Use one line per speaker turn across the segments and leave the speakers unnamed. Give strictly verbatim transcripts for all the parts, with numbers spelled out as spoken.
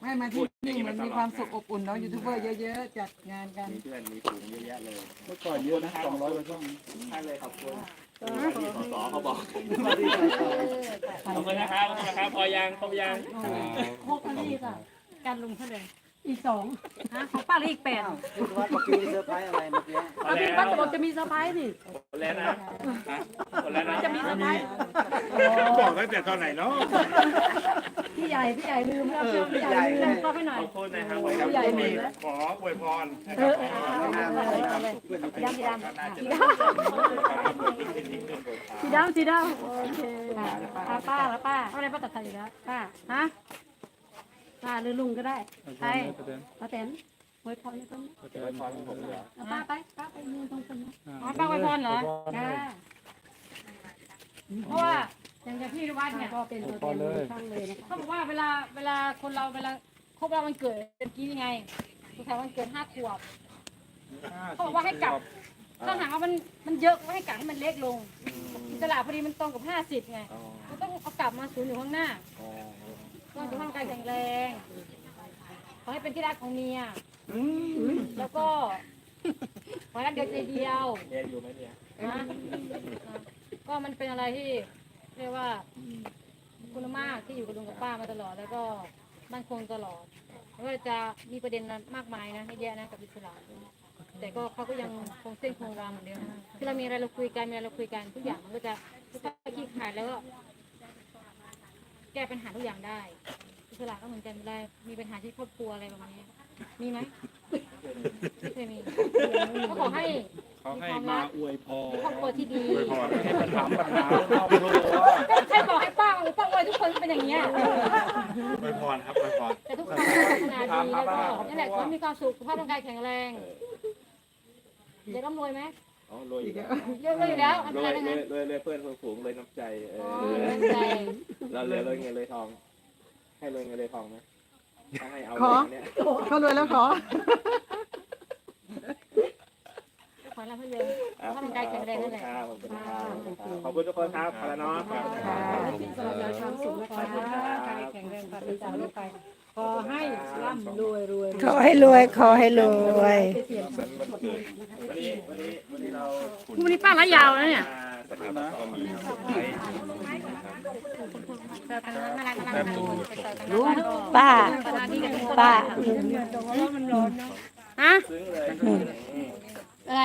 ให้มาที่นี่มันมีความสุขอบอุ่นเนาะยูทูบเบอร์เยอะๆจัดงานกัน
มีเพื่อนมีฝูงเยอะแยะเลย
เมื่อก่อนเยอะนะสองร้อยกว่าช่อง
ใช่เลยขอบคุณที่สสเขาบอก
ขอบคุณนะครับขอบคุณนะครับพอยังครบยัง
หกอันนี้ค่ะการลุงเท่าไหร่อีกสองฮะของป้าอีกแปด
คิดว่าเมื่อกี้เซอร์ไพรส์อะไรเมื่อกี้
พอ
ป้า
แล้
พี่ป้าว จะบอกจะมีเซอร์ไพรส์นี่
หมดแล้วนะหมดแล้วนะ
จะมีเซอร์ไพรส์
บอกตั้งแต่ตอนไหนเนาะ
พี่ใหญ่พี่ใหญ่ลืมแล้วพี่ใหญ่ลืมก็ให้หน่อย
ขอบคุณนะครับ
พี่ใหญ่ลืมแล้ว
ขออวยพร
เออเอาเลยเอาเลยสีดำสีดำสีดำสีดำโอเคป้าป้าแล้วป้าเอาอะไรป้าตัดไทยอยู่แล้วป้าฮะป้าหรือลุงก็ได้ใครป้าแตนไว้พรให้ต้น
อวยพรผมเหรอ
ป้าไปป้าไปยืนตรงคนอ๋อป้าไว้พรเหรอจ้าเพราะว่าอย่างที่พี่วัดเนี่ยก็เป็นตัวแทนช่างเลยนะคะเขาบอกว่าเวลาเวลาคนเราเวลาครบรอบวันเกิดเป็นกี้ยังไงสุดท้ายวันเกิดห้าขวบเขาบอกว่าให้กลับถ้าหากว่ามันมันเยอะก็ให้กลับให้มันเล็กลงตลาดพอดีมันตรงกับห้าสิบไงก็ต้องเอากลับมาศูนย์อยู่ข้างหน้าก็จะร่างกายแข็งแรงขอให้เป็นที่รักของเมียแล้วก็ขอให้รักเดียวใจเดียว
เรียนอยู่ไหมเนี่ย
นะก็มันเป็นอะไรที่เรียกว่าคุณมากที่อยู่กับลุงกับป้ามาตลอด แล้วก็มั่นคงตลอดไม่ว่าจะมีประเด็นมากมายนะให้แยะนะกับอิสระแต่ก็เขาก็ยังคงเส้นคงวาเหมือนเดิมคือเรามีอะไรเราคุยกันมีอะไรเราคุยกันทุกอย่างมันก็จะขี้ขายแล้วก็แก้ปัญหาทุกอย่างได้อิสระก็เหมือนกันเวลามีปัญหาที่ครอบครัวอะไรประมาณนี้มีไหมไม่เคยมีก็ขอให้
เขาให้มาอวยพร
ครอบครัวที่ดี
อวยพรให้ปัญหาปัญหา
ใครบอกให้ป้าหรือป้าไว้ทุกคนเป็นอย่างเงี้ย
อวยพรครับอวยพร
แต่ทุกคนก็พัฒนาดีแล้วก็นั่นแหละคนมีความสุขสุขภาพร่างกายแข็งแรงเดี๋ยวร่ำรวยไหม
อ๋อรวยอีกแล้ว
เยอะเลยอยู่แล้วอัน
ร
ต
ว
ราย ย
ร
นะ
วย
ฮะ
รวยรวยเพื่อนฝูงรวยน้ำใจเอ
อ๋อ
อ
เงินใจ
เรารวยรวยเงินรวยทอง ให้รวยเงินรวยทองไหมถ้าให้เอา
ขอ
เนี่ย
เขารวยแล้วขอ
ขอรับเพื่อนสุขภาพร่างกายแข็งแรงนั่นแหละ
ขอบคุณครับขอบคุณทุกคนครับพาเนาะ
สำหรับความสุขนะคะกายแข็งแรงปราศจากโรคภัยขอให้ร่ำรวยรวย
ขอให้รวยขอให้รวย
วันนี้วันนี้วันนี้เรา
วันนี้ป้าละยาวแล้วเนี่ย
สถาบันก็มี
ป้าป้า
ฮะ
ซึ้งเลย
อะไร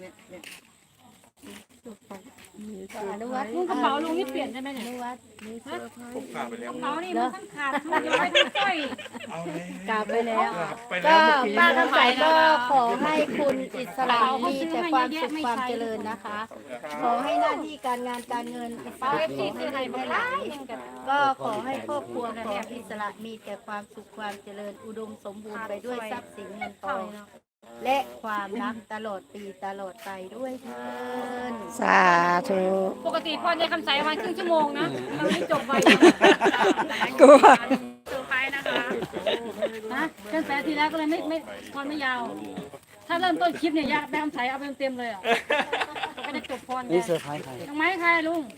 ลุงกระเป๋าลุงนี่เปลี่ยนใช่ไหมเนี่ย
ผมขาดไปแล้ว
กระเป๋านี่มันทั้งขาดทั้งย้อยทั้งสร้อย
เอาเลย
กลับไปแล้ว
ไปแล้วเมื่อกี้
ป้าคำใสก็ขอให้คุณอิสระมีแต่ความสุขความเจริญนะคะ ขอให้หน้าที่การงานการเงินป้า
เอฟซีซื้ออะไรมาไล่
ก็ขอให้ครอบครัวของอิสระมีแต่ความสุขความเจริญอุดมสมบูรณ์ไปด้วยทรัพย์สินเงินทองและความรักตลอดปีตลอดไปด้วยเถิดสาธุ
ปกติพอในคำใสประมาณครึ่งชั่วโมงนะเราไม่จบไป
กลัว
เซอร์ไพรส์นะคะนะเช่นแปดทีแล้วก็เลยไม่ไม่พรไม่ยาว ถ้าเริ่มต้นคลิปเนี่ยยากได้คำใสเอาไปเต็มๆเลยอ่ะก็จะจบพร
นี่เซอร์ไพรส์ใคร
ดอกไม้ใครลุง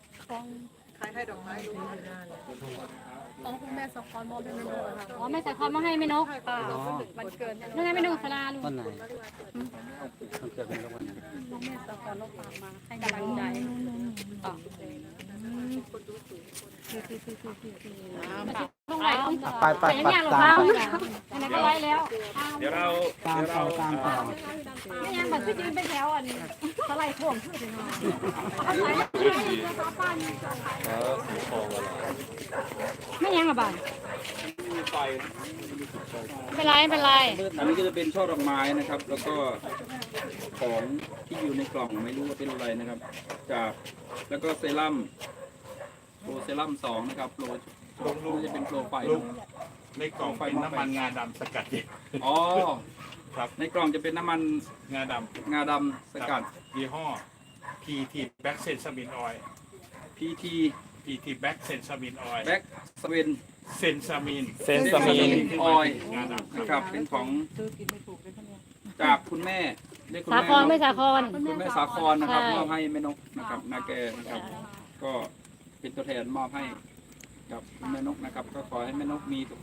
ของคุณแม่สองคนมอบให้แม่นกค่ะ
อ๋อแม่ใส่คอนมาให้แม่นก
วันเกิด
นั่นไงแม่นกสลาลุง
วันไหนวันเกิดเป็นวันไหน
แม่สองคนลบฝากมาให้กำลังใจต่อ
ต้องไหลต้อง
ไปไป
แต่
ไป
ยังหรอก
ตา
เรา
ม
ไหนก็ไล่แล้ว
เดี๋ยวเรา
ตาม
เดี๋ยว
ต่อ
เรา
ตามต่อ
ไม่ยังแบบพี่ยืนเป็นแถวอันสไลด์ท่วมขึ้นไปหน่อยเอาไหลไม่ยังหรอบ้านเป็นไรเป็นไร
อันนี้ก็จะเป็นช่อดอกไม้นะครับ แล้วก็ของที่อยู่ในกล่องไม่รู้ว่าเป็นอะไรนะครับ จากแล้วก็เซรั่มโปรเซรั่มสองนะครับโปรโปรจะเป็นโปรไฟ
ลูกในกล่องเป็นน้ำมันงาดำสกัดเย็น
อ๋อ
ครับ
ในกล่องจะเป็นน้ำมัน
งาด
งาดำส
ำ
กัด
ยี่ห้อ พี ที Back Sensamin Oil
พีที
พี ที Back Sensamin Oil
แบ็กสเวน
เซนซามิน
เซนซามินออยล์
งาดำ
นะครับเป็นของจากคุณแม่เรียกคุณ
สา
แม่
ครไม่สาคร
คุณแม่สาครนะครับ
ใช่
มอบให้แม่นกนะครับนาแกนะครับ ก็เป็นตัวแทนมอบให้กับคุณแม่นกนะครับ ก็ขอให้แม่นกมีสุข